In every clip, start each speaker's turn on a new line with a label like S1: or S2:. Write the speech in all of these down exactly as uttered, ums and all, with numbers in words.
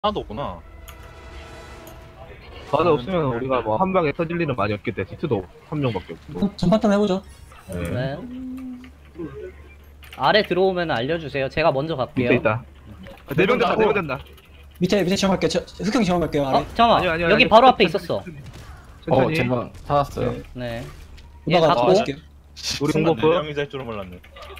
S1: 하나도 없구나.
S2: 바다 없으면 우리가 뭐 한 방에 터질 일은 많이 없겠다. 디트도 한 명밖에 없고.
S3: 전파탄 해보죠.
S2: 네.
S4: 네. 아래 들어오면 알려주세요. 제가 먼저 갈게요.
S2: 밑에 있다. 내명 된다, 내명 된다.
S3: 밑에 밑에 지원할게요. 저, 흑형 지원할게요. 아래.
S4: 어, 잠깐만.
S2: 아니요, 아니요,
S4: 여기
S2: 아니요.
S4: 바로 앞에
S2: 천천히,
S4: 있었어.
S2: 천천히.
S5: 어, 제가 찾았어요.
S3: 네.
S4: 네. 얘
S3: 오다가
S4: 갖고.
S3: 잡을게요.
S2: 우리
S1: 순간
S2: 홍보부.
S1: 네 명이 될 줄은 몰랐네.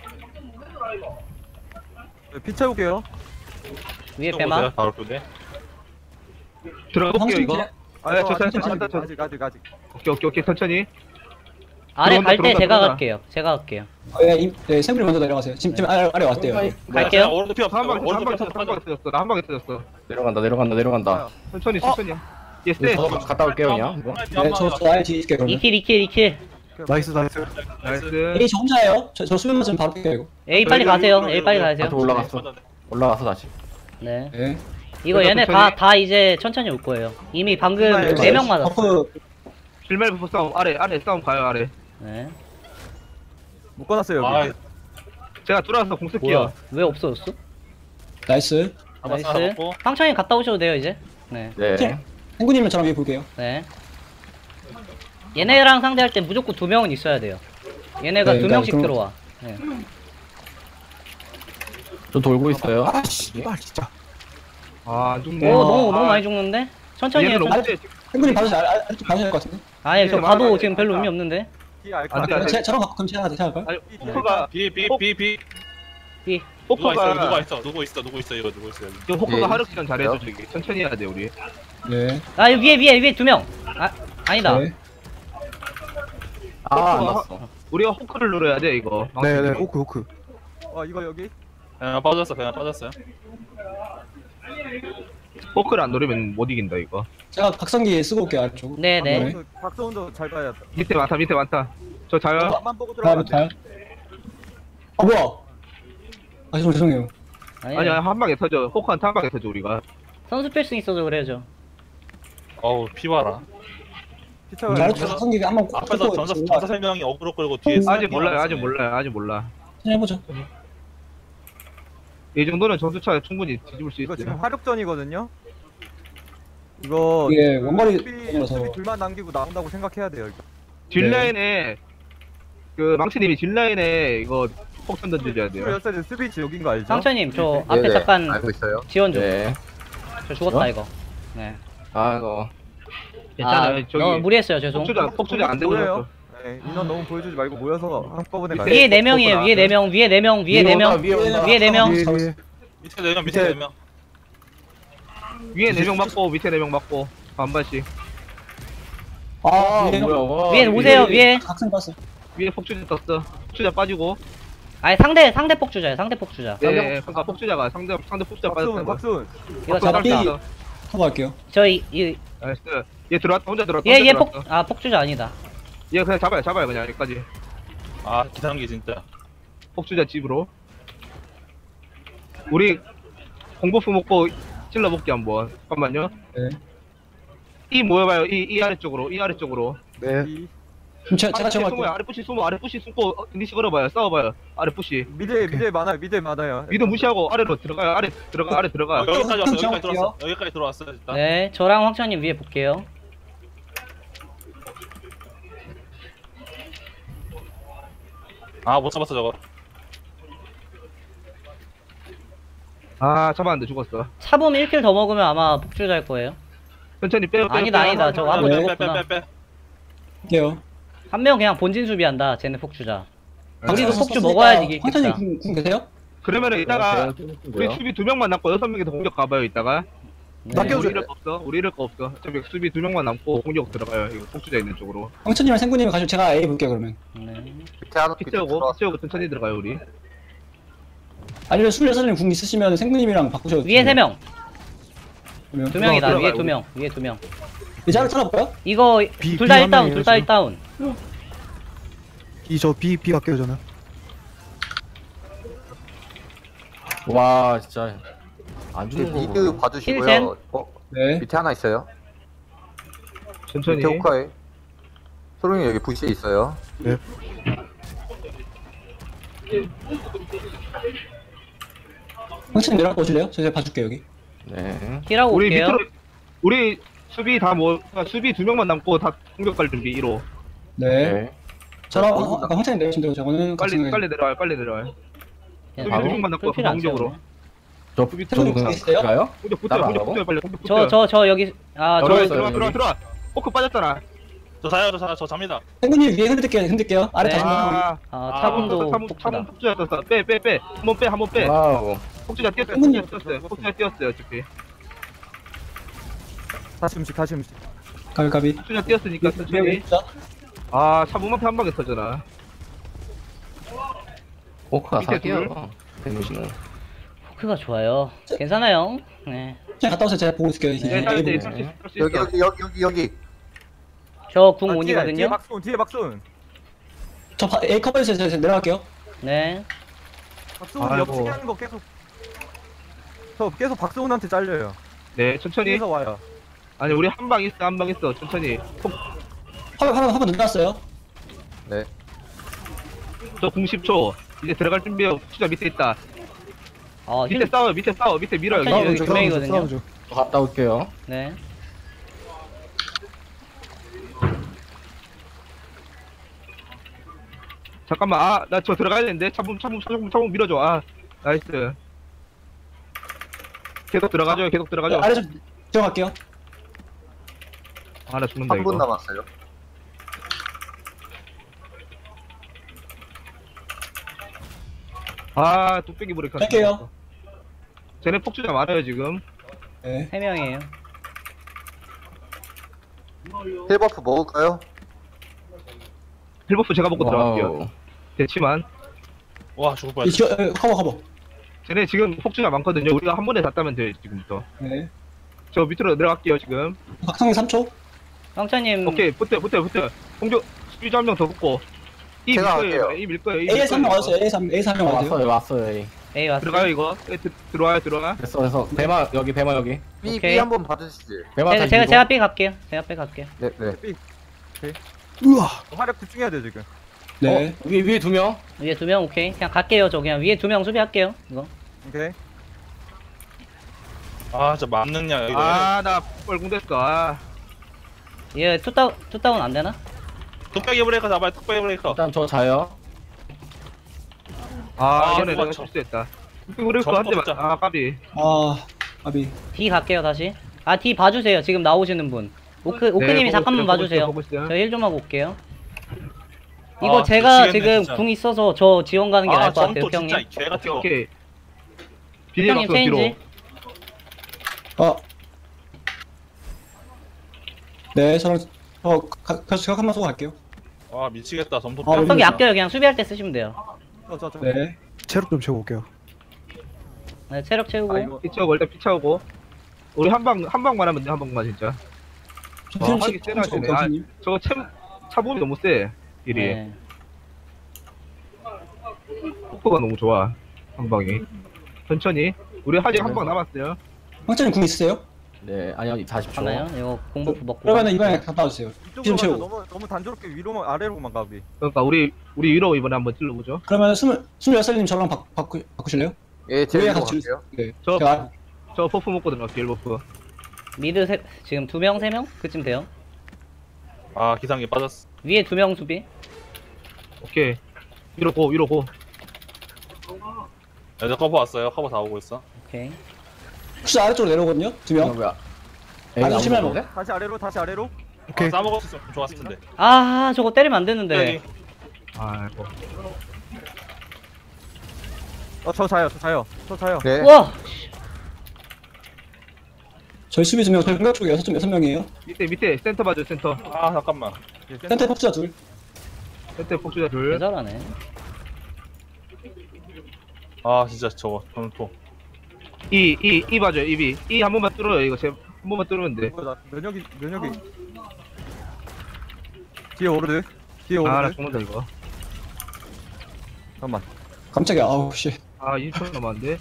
S6: 피 채울게요.
S4: 위에
S1: 또
S4: 배마.
S1: 보세요, 바로 그게.
S2: 들어가 볼게요,
S3: 황신
S2: 이거.
S3: 기자-
S2: 아, 야, 저, 저, 저,
S3: 천천히,
S2: 저, 저, 저.
S6: 아직 아직 아직.
S2: 오케이, 오케이, 오케이, 천천히.
S4: 아래
S2: 들어온다,
S4: 갈 때
S2: 들어온다,
S4: 제가
S2: 들어온다.
S4: 갈게요. 제가 갈게요.
S3: 어, 예, 임, 네, 샘플이 먼저 내려가세요. 지금, 지금 아래, 아래 왔대요.
S4: 갈게요.
S1: 오른쪽 피 없어.
S2: 한 방에, 한
S1: 오른쪽
S2: 방에
S1: 피
S2: 터졌어, 한
S1: 없어.
S2: 방에 터졌어. 나 한 방에 터졌어.
S5: 내려간다, 내려간다, 내려간다.
S2: 천천히, 천천히. 예, 세.
S5: 저도 갔다 올게요, 그냥.
S3: 네, 저, 저 아래 뒤에 있을게요, 그러면.
S4: 이킬, 이킬, 이킬.
S6: 나이스 나이스.
S2: 나이스.
S3: A 저 혼자예요. 저, 저 수면 맞으면 바로 뺄게요, 이거.
S4: A 빨리 가세요. A 빨리 가세요.
S5: 다시 올라갔어. 올라가서 다시.
S4: 네.
S3: 네.
S4: 이거
S2: 그래서
S4: 얘네 다,
S2: 천천히.
S4: 다 이제 천천히 올 거예요. 이미 방금
S6: 네,
S4: 네 명 맞았어.
S3: 버프,
S2: 실말 부부 싸움, 아래, 아래 싸움 가요, 아래.
S4: 네.
S6: 못 꺼놨어요
S1: 아,
S6: 여기.
S2: 제가 들어와서 공 쓸게요.
S4: 뭐야? 왜 없어졌어?
S3: 나이스.
S1: 한번
S4: 나이스.
S1: 쌓아놓고.
S4: 황천이 갔다 오셔도 돼요, 이제. 네.
S5: 네.
S3: 행구님은 저랑 위에 볼게요.
S4: 네. 얘네랑 상대할 때 무조건 두 명은 있어야 돼요. 얘네가
S3: 네,
S4: 두
S3: 일단
S4: 명씩
S3: 그럼-
S4: 들어와. 네.
S5: 저 돌고 있어요.
S6: 아 씨발 진짜.
S2: 아, 안
S4: 오,
S2: 죽네.
S4: 너무,
S2: 아,
S4: 너무 많이 죽는데? 천천히 해요.
S2: 얘는 너무
S4: 천천히.
S2: 세.
S3: 행구님 봐주세요. 아래, 아래, 아래쪽 봐주셔야 될 것 같은데.
S4: 아니, 저
S2: 네,
S4: 가도
S2: 맞아요.
S4: 지금 별로 의미 없는데?
S6: 피 알까?
S2: 안 돼, 안
S3: 그럼
S2: 돼.
S3: 제, 저랑 갖고 그럼 제가 제가 할까요?
S2: 아니, 포커가,
S1: 비, 비, 비, 비.
S4: B.
S1: 누가 있어, 누가
S2: 포커가,
S1: 있어, 누구 있어, 누구 있어, 이거 누구 있어, 여기.
S2: 저 포커가 하루 시간 잘해줘, 저기. 천천히 해야 돼, 우리.
S3: 네.
S4: 아, 여기 위에, 위에, 위에 두 명. 아, 아니다.
S3: 네.
S5: 아, 안
S2: 포커가
S5: 났어.
S2: 우리가 호크를 눌러야 돼, 이거.
S6: 네네 호크 호크. 어 이거 여기.
S1: 그냥 빠졌어, 그냥 빠졌어요.
S2: 호크를 안 누르면 못 이긴다, 이거.
S3: 제가 각성기 쓰고 올게요, 아래쪽.
S4: 네네.
S3: 네.
S6: 그 박성훈도 잘 봐야 돼.
S2: 밑에 많다, 밑에 많다. 저 자요.
S6: 앞만 보고
S3: 다음,
S6: 들어가면
S3: 다음.
S6: 돼.
S3: 아, 뭐야? 아, 죄송, 죄송해요.
S4: 아니,
S2: 아니야, 한 방에 터져. 호크한테 한 방에 터져, 우리가.
S4: 선수 필승 있어서 그래야죠.
S1: 어우, 피 봐라.
S6: 피 채워야
S3: 아래쪽
S6: 돼.
S3: 각성기가 한번 꼭
S1: 앞에서
S3: 쓰고
S1: 전사,
S3: 올라가세요.
S1: 전사 세 명이 어그로 끌고 뒤에.
S2: 아직 몰라요, 아직 몰라요, 아직 몰라.
S3: 천천히 해보죠.
S2: 이 정도는 전투차 충분히 뒤집을 수
S6: 이거 지금
S2: 있어요.
S6: 화력전이거든요. 이거
S3: 이게 원거리
S6: 수비,
S3: 전이라서.
S6: 수비 둘만 남기고 나온다고 생각해야 돼요. 이거.
S2: 뒷라인에, 그, 망치님이 뒷라인에 이거 폭탄 던져줘야 돼요.
S6: 스물여섯 살 수비 지역인 거 알죠?
S4: 상처님, 저 앞에 잠깐
S5: 있어요.
S4: 지원 좀.
S5: 네.
S4: 저 죽었다,
S5: 어?
S4: 이거. 네.
S5: 아, 이거.
S2: 괜찮아요,
S4: 아,
S2: 저기.
S4: 너무 무리했어요, 죄송.
S2: 폭주자, 폭주자 안 되고
S6: 보여요?
S2: 있었어.
S6: 네, 인원 너무 보여주지 말고 모여서 한꺼번에 가요.
S4: 위에 네 명이에요, 위에 네 명, 위에 네 명, 위에 네 명.
S5: 위에 온다.
S4: 위에 네 명.
S6: 위에, 위에.
S1: 밑에 네 명, 밑에 네 명.
S2: 위에 네 명 맞고, 밑에 네 명 맞고, 반반씩.
S3: 아,
S5: 아,
S3: 위에
S5: 뭐야, 와.
S4: 위에 오세요, 위에.
S3: 각성 봤어.
S2: 위에 폭주자 떴어. 폭주자 빠지고.
S4: 아니, 상대, 상대 폭주자예요, 상대 폭주자.
S2: 네, 그러니까 폭주자가, 상대, 상대 폭주자
S6: 박수훈
S2: 빠졌다는 거.
S6: 박수훈.
S4: 이거 잡았다.
S2: 떴어.
S3: 커버할게요.
S4: 저희, 이,
S2: 나이스. 얘 들어왔다, 혼자 들어왔다.
S4: 얘,
S2: 혼자
S4: 얘 폭,
S2: 들어왔어.
S4: 아, 폭주자 아니다.
S2: 얘 그냥 잡아요, 잡아요, 그냥 여기까지.
S1: 아, 기상기 진짜.
S2: 폭주자 집으로. 우리 공버프 먹고 찔러볼게 한번. 잠깐만요.
S3: 네.
S2: 이 모여봐요. 이, 이 아래쪽으로, 이 아래쪽으로.
S6: 네.
S3: 그럼 제가, 제가
S2: 아래
S3: 제가
S2: 숨어요.
S3: 할게요.
S2: 아래 푸시 숨어, 아래 푸시 숨고 어, 니시 걸어봐요. 싸워봐요. 아래 푸시.
S6: 미대 미대 많아요. 미대 많아요.
S2: 미드 무시하고 아래로 들어가요. 아래 들어가, 아래 들어가.
S1: 어, 여기까지 왔어,
S3: 좀
S1: 여기까지 들어왔어. 여기까지 들어왔어, 일단.
S4: 네, 저랑 황천님 위에 볼게요.
S1: 아, 못 잡았어, 저거.
S2: 아, 잡았는데 죽었어.
S4: 차범 일 킬 더 먹으면 아마 폭주자일 거예요.
S2: 천천히 빼요. 빼요,
S4: 아니다,
S2: 빼요.
S4: 아니다. 저거
S2: 아,
S4: 한번
S2: 네.
S1: 빼, 빼,
S4: 죽었구나.
S1: 빼, 빼, 빼.
S3: 할게요.
S4: 한 명 그냥 본진 수비한다, 쟤네 폭주자. 우리도
S3: 각성
S4: 폭주
S3: 썼으니까
S4: 먹어야지 이기겠다.
S3: 황천님 궁, 궁 계세요?
S2: 그러면은 이따가
S5: 네,
S2: 우리 수비 두 명만 남고 여섯 명이 더 공격 가봐요. 이따가.
S4: 네.
S3: 낚여-
S2: 우리 이럴 거 없어. 우리 이럴 거 없어. 어차피 수비 두 명만 남고 공격 들어가요. 이거 폭주자 있는 쪽으로.
S3: 황천님이랑 생구님이 가시면 제가 A 볼게요, 그러면.
S4: 네.
S2: 피치하고 피치하고 천천히 들어가요 우리.
S3: 아니면 스물여섯 살 궁 있으시면 생구님이랑 바꾸셔도
S4: 위에 세 명,
S3: 그러면.
S4: 두 명이다.
S2: 들어가요,
S4: 위에
S2: 우리.
S4: 두 명, 위에 두 명.
S3: 이제 하나 찾아볼까요?
S4: 이거
S6: 비-
S4: 둘 다
S6: 비
S4: 일 다운,
S6: 한
S4: 둘 다 일 다운.
S6: 이저 B B 갈게요 저는.
S5: 와, 진짜. 안 죽는 거.
S7: 미드
S4: 힐센?
S7: 봐주시고요. 어,
S3: 네.
S7: 밑에 하나 있어요.
S2: 천천히.
S7: 밑에 호카에. 소룡이 여기 부시에 있어요.
S3: 황천님 내려가 보실래요? 제가 봐줄게요, 여기.
S5: 네.
S4: 힐하고
S2: 우리
S4: 올게요.
S2: 밑으로 우리 수비 다 뭐 수비 두 명만 남고 다 공격할 준비 일 호.
S3: 네.
S5: 네.
S3: 저랑 어, 아까 황찬이 내리시면 되고 저거는 같이
S2: 빨리
S3: 생각해.
S2: 빨리 내려와요. 빨리 내려와요.
S4: 예,
S2: 수비
S5: 바로?
S2: 두 명만 남고
S4: 풀필 안
S2: 공격으로.
S4: 채우네.
S5: 저
S2: 수비
S5: 저는
S3: 태국인
S5: 그냥
S3: 있어요?
S5: 가요?
S2: 공격 붙어요.
S5: 따라가라고?
S2: 공격 붙어요. 빨리 공격
S4: 저
S2: 붙어요.
S4: 저 저 여기 아 저
S5: 열어요,
S2: 들어와
S5: 여기.
S2: 들어와 들어와. 포크 빠졌잖아.
S1: 저 자요, 저 자요, 저 잡니다.
S3: 행군님 위에 흔들게요. 흔들게요. 아래
S4: 네.
S3: 다시 한번.
S2: 아,
S4: 아,
S1: 아,
S4: 차분도
S2: 차분
S4: 폭주다.
S2: 차분 폭주자 떴어. 빼 빼 빼. 한번 빼 한번 빼.
S5: 와우.
S2: 폭주자 뛰었어요.
S3: 형님.
S2: 폭주자 뛰었어요. 폭주자 뛰었어요. 어차피.
S6: 다시 음식 다시 음식.
S3: 가비 가비.
S2: 폭주자 뛰었으니까 천천히.
S3: 위에 자.
S2: 아 차분 앞에 한 방에 터져라.
S5: 포크가
S2: 밑에
S5: 사기야. 데미지는.
S4: 포크가 좋아요. 괜찮아요. 네.
S3: 그냥 갔다 오세요. 제가 보고 있을게요. 이제.
S2: 네,
S3: A
S2: 딸
S3: 보고.
S2: 때
S5: 네.
S7: 여기 여기 여기 여기 여기.
S4: 저 궁
S6: 아, 뒤에, 뒤에
S4: 온이거든요.
S6: 박순 뒤에 박순.
S3: 저 바- A 커버해주세요. 제가 내려갈게요.
S4: 네.
S6: 박순
S2: 아이고.
S6: 옆치기 하는 거 계속. 저 계속 박순한테 잘려요.
S2: 네 천천히.
S6: 뒤에서 와요.
S2: 아니 우리 한 방 있어 한 방 있어 천천히. 폭,
S3: 화면 화면 화면 눌렀어요.
S7: 네.
S2: 저 공십 초. 이제 들어갈 준비해요. 폭주자 밑에 있다.
S4: 아,
S2: 밑에
S4: 힐.
S2: 싸워요. 밑에 싸워. 밑에 밀어요.
S4: 갑자기
S2: 여기.
S4: 여기 두 명이거든요.
S5: 저 갔다 올게요.
S4: 네.
S2: 잠깐만 아 나 저 들어가야 되는데 차분 차분 차분 차분 밀어줘. 아 나이스. 계속 들어가죠. 계속 들어가죠.
S3: 아래 좀 들어갈게요.
S2: 아 나 죽는다
S7: 한 분
S2: 이거.
S7: 남았어요.
S2: 아 뚝배기 브레이크.
S3: 할게요.
S2: 쟤네 폭주자 많아요 지금.
S3: 네.
S4: 세 명이에요.
S7: 힐버프 먹을까요?
S2: 힐버프 제가 먹고 들어갈게요.
S5: 와우.
S2: 대치만.
S1: 와, 죽을
S3: 이
S1: 뻔했어.
S3: 지어 에, 커버 커버.
S2: 쟤네 지금 폭주자 많거든요. 우리가 한 번에 다 따면 돼요 지금부터.
S3: 네.
S2: 저 밑으로 내려갈게요 지금.
S3: 박성희 삼 초.
S4: 황차님.
S2: 오케이 붙어 붙어 붙어. 공격 수비자 한 명 더 붙고. 이 밀
S7: 제가
S2: 거예요.
S7: 할게요.
S2: 이 밀 거예요. 이 밀
S3: A에서 한 명
S2: 거예요,
S3: 왔어요. A에서 한- A에서 한 명 왔어요.
S5: 왔어요, 왔어요. 에이.
S4: A
S2: 이거.
S4: 왔어.
S2: 들어가요 이거. 예, 들- 들어와요 들어와.
S5: 됐어, 됐어. 배마 여기, 배마 여기.
S7: B
S4: 오케이.
S7: B 한번 봐주시지.
S5: 배마
S4: 제가
S5: 다시
S4: 제가
S5: 이거.
S4: 제가 B 갈게요. 제가 B 갈게요.
S7: 네 네.
S3: 우와.
S6: 화력 집중해야 돼 지금.
S3: 네.
S5: 어, 위에 위에 두 명.
S4: 위에 두 명 오케이. 그냥 갈게요. 저 그냥 위에 두 명 수비할게요. 이거.
S6: 오케이.
S1: 아, 저 맞느냐, 이거.
S2: 아나 뻘궁 됐어. 아.
S4: 얘 투다운 투다운 안 되나?
S1: 뚝배기 브레이커 잡아요, 뚝배기 브레이커.
S5: 일단 저 자요.
S2: 아,
S1: 아,
S2: 이번에
S1: 저거
S2: 내가
S1: 저-
S2: 실수했다. 그리고
S1: 저거
S2: 한대
S1: 뽑자.
S2: 아 까비.
S3: 아. 아비.
S4: D 갈게요 다시. 아 D 봐주세요. 지금 나오시는 분. 오크 오크님이
S2: 보고
S4: 잠깐만
S2: 있어요,
S4: 봐주세요.
S2: 보고 있어요.
S4: 저 힐 좀 하고 올게요. 이거
S1: 아,
S4: 제가
S1: 미치겠네,
S4: 지금
S1: 진짜.
S4: 궁 있어서 저 지원 가는 게
S1: 아,
S4: 나을 것 같아요,
S1: 점토 진짜
S4: 형님.
S1: 개 같은 거.
S2: 오케이. 비닐
S4: 형님
S2: 박스 뒤로.
S4: 체인지.
S3: 어. 네. 저는 어 가, 가, 제가 한번 쏘고 갈게요.
S1: 와, 미치겠다, 점토.
S3: 아,
S4: 각성기
S3: 진짜.
S4: 아껴요. 그냥 수비할 때 쓰시면 돼요.
S6: 저 저 저.
S3: 네. 체력 좀 채워 올게요.
S4: 네, 체력 채우고.
S6: 아 이거
S2: 피쳐오고 일단 피쳐오고. 우리 한 방 한 방만 하면 돼. 한 방만 진짜. 와, 하기 세나 쟤네. 아, 저거 참 차범이 너무 세. 일이.
S4: 네.
S2: 포크가 너무 좋아. 한 방이. 천천히. 우리 아직 한 방 남았어요.
S3: 황찬님 궁 있으세요?
S5: 네, 아니 아니 사십 초.
S4: 하나요? 이거 공버프 먹고.
S3: 그러면은 이번에 갔다 와주세요. 피 좀
S6: 이쪽으로 가서
S3: 채우고.
S6: 너무 너무 단조롭게 위로만 아래로만 가비.
S2: 그러니까 우리 우리 위로 이번에 한번 찔러보죠.
S3: 그러면 스물 스물여섯님 저랑 바, 바꾸 바꾸실래요?
S7: 예, 제가
S3: 위에
S7: 이거
S3: 같이
S7: 갈게요.
S3: 네.
S2: 저-
S3: 제가
S2: 저 버프 먹고 들어갈게요. 버프.
S4: 미드 세, 지금 두 명, 세 명? 그쯤 돼요.
S1: 아, 기상기 빠졌어.
S4: 위에 두 명 수비.
S2: 오케이. 위로 고 위로 고.
S1: 야, 저 커버 왔어요. 커버 다 오고 있어.
S4: 오케이.
S3: 혹시 아래쪽으로 내려오거든요? 두
S5: 이거
S3: 명.
S5: 뭐야?
S3: 아니,
S5: 에이,
S3: 심해
S5: 아무도 없는데?
S6: 다시 아래로 다시 아래로.
S1: 오케이. 아, 싸먹었으면 좋았을 텐데.
S4: 아, 저거 때리면 안 되는데.
S1: 여기.
S2: 아이고.
S6: 어저 자요 저 자요 저 자요.
S7: 네.
S4: 우와!
S3: 저희 수비 두 명, 저희 공격 쪽에 여섯 명 여섯 명이에요.
S2: 밑에 밑에 센터 봐줘 센터.
S1: 아, 잠깐만.
S3: 센터 폭주자 둘.
S2: 센터 폭주자 둘.
S4: 대잘하네.
S1: 아, 진짜 저거, 점토.
S2: 이, 이, 이 봐줘요, 이비. 이 한 번만 뚫어요, 이거. 제, 한 번만 뚫으면 돼.
S6: 이거 나 면역이 면역이. 뒤에 오르드. 뒤에
S2: 아, 나
S6: 오르드.
S2: 죽는다, 이거.
S6: 잠깐만.
S3: 깜짝이야. 아우 씨.
S2: 아, 이십 초 남았는데.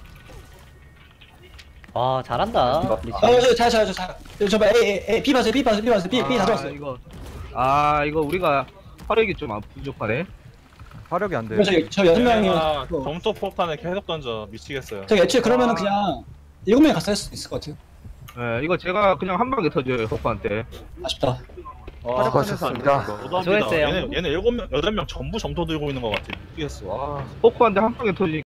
S4: 와, 잘한다. 리치.
S3: 아, 저, 자, 자, 자, 자. 저, 봐, A, A, A, B 봐세요, B 봐세요, B 봐세요, B, B 다
S2: 아,
S3: 들어왔어요.
S2: 이거. 아, 이거 우리가 화력이 좀 안 부족하네.
S6: 화력이 안 돼.
S3: 그럼 저희 저 여섯
S1: 아,
S3: 명이요.
S1: 점토 폭탄을 계속 던져. 미치겠어요.
S3: 저기 애초에 그러면은
S2: 아.
S3: 그냥 일곱 명이 갔을 수도 있을 것 같아요.
S2: 예, 이거 제가 그냥 한 방에 터져요, 호프한테.
S3: 아쉽다.
S1: 아,
S7: 수고하셨습니다.
S1: 너무합니다.
S4: 수고했어요.
S1: 얘네, 얘네 일곱 명, 여덟 명 전부 점토 들고 있는 것 같아. 미치겠어. 아.
S2: 호프한테 한 방에 터지니까